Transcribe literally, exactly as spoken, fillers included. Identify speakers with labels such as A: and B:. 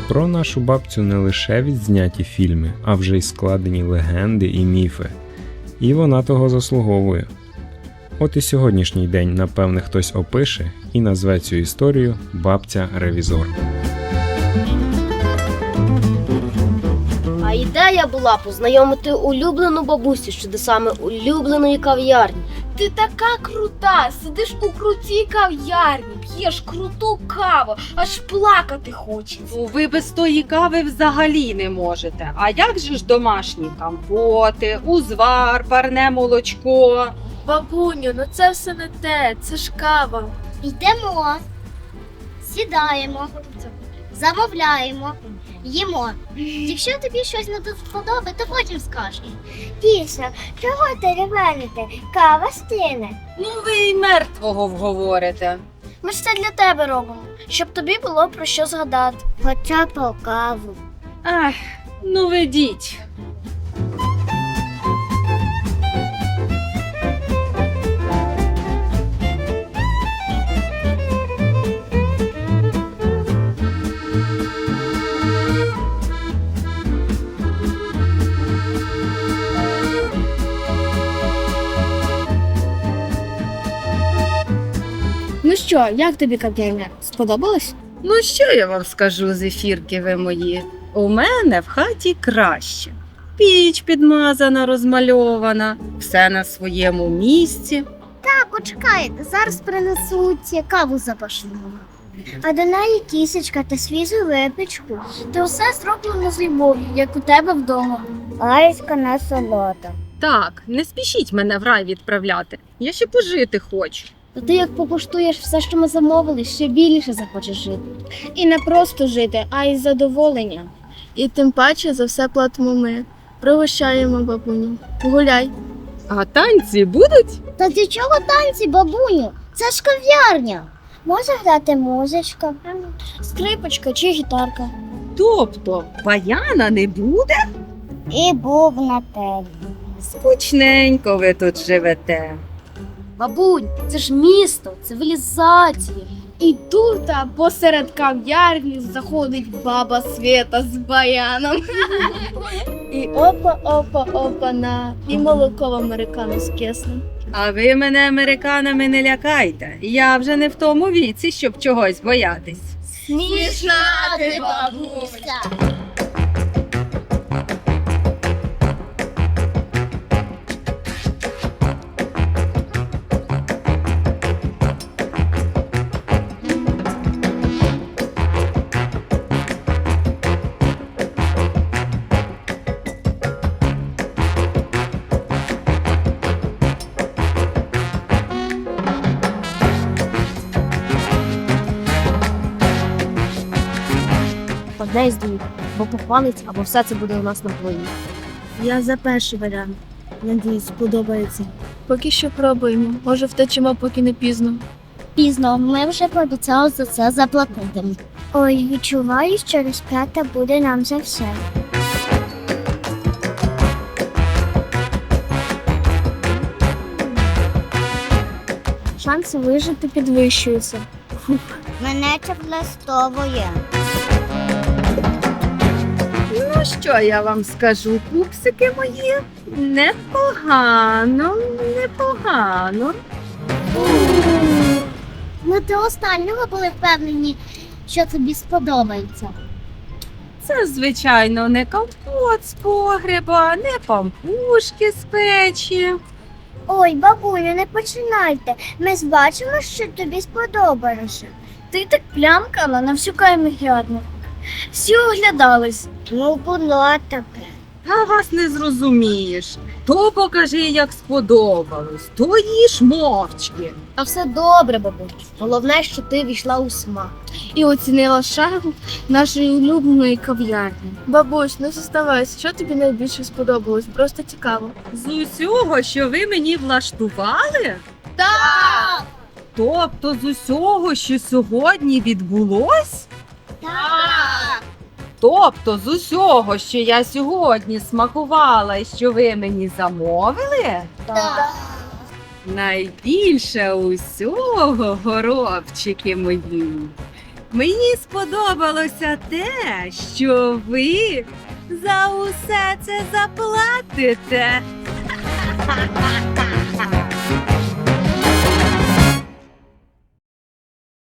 A: Про нашу бабцю не лише відзняті фільми, а вже й складені легенди і міфи. І вона того заслуговує. От і сьогоднішній день, напевне, хтось опише і назве цю історію «Бабця-ревізор».
B: А ідея була познайомити улюблену бабусю з чудесами улюбленої кав'ярні.
C: Ти така крута, сидиш у крутій кав'ярні, п'єш круту каву, аж плакати хочеться.
D: Ну, ви без тої кави взагалі не можете. А як же ж домашні компоти, узвар, парне молочко?
C: Бабуню, ну це все не те, це ж кава.
E: Йдемо, сідаємо, замовляємо, їмо. Якщо тобі щось не вподобає, то потім скажеш. Після, чого ти ревените? Кава стине.
D: Ну ви й мертвого вговорите.
C: Ми ж це для тебе робимо, щоб тобі було про що згадати.
E: Хоча по каву.
D: Ах, ну ведіть.
C: Ну що, як тобі кав'ярня? Сподобалось?
D: Ну що я вам скажу, зефірки ви мої? У мене в хаті краще. Піч підмазана, розмальована, все на своєму місці.
E: Так, почекайте, зараз принесуть каву запашну. А до неї кісечка та свіжу випічку.
C: Ти все зроблено з любов'ю, як у тебе вдома.
E: Айська на солота.
D: Так, не спішіть мене в рай відправляти. Я ще пожити хочу.
B: То ти як покуштуєш все, що ми замовили, ще більше захочеш жити.
C: І не просто жити, а й задоволення. І тим паче за все платимо ми. Пригощаємо бабуню. Гуляй.
D: А танці будуть?
E: Та для чого танці, бабуню? Це ж кав'ярня. Може грати музичка.
C: Скрипочка чи гітарка.
D: Тобто, баяна не буде?
E: І був на тебе.
D: Скучненько ви тут живете.
B: Бабунь, це ж місто, цивілізація.
C: І тут а, посеред кав'ярні заходить баба Свята з баяном. І опа-опа-опа-на, і молоко в американо з кислим.
D: А ви мене американами не лякайте. Я вже не в тому віці, щоб чогось боятись.
C: Смішна
E: ти, бабуся.
B: Одне із двох, бо похвалить, або все це буде у нас на плані.
C: Я за перший варіант. Надіюсь, сподобається. Поки що пробуємо. Може втечемо, поки не пізно.
E: Пізно, ми вже пообіцяли за це заплатити. Ой, відчуваю, що розплата буде нам за все.
C: Шанси вижити підвищуються.
E: Мене це влаштовує.
D: Ну що я вам скажу, пупсики мої? Непогано, непогано.
E: Ми до останнього були впевнені, що тобі сподобається.
D: Це, звичайно, не компот з погреба, не пампушки з печі.
E: Ой, бабуню, не починайте. Ми ж бачимо, що тобі сподобалося.
C: Ти так плямкала на всю каймігядну. Всі оглядались.
E: Ну, було таке.
D: Та вас не зрозумієш. То покажи, як сподобалось, то їж мовчки.
B: А все добре, бабусь. Головне, що ти війшла у смак.
C: І оцінила шагу нашої улюбленої кав'ярні. Бабусь, не зоставайся, що тобі найбільше сподобалось? Просто цікаво.
D: З усього, що ви мені влаштували?
C: Так!
D: Тобто з усього, що сьогодні відбулось?
E: Так!
D: Тобто з усього, що я сьогодні смакувала і що ви мені замовили?
E: Так!
D: Найбільше усього, горобчики мої, Мені сподобалося те, що ви за усе це заплатите.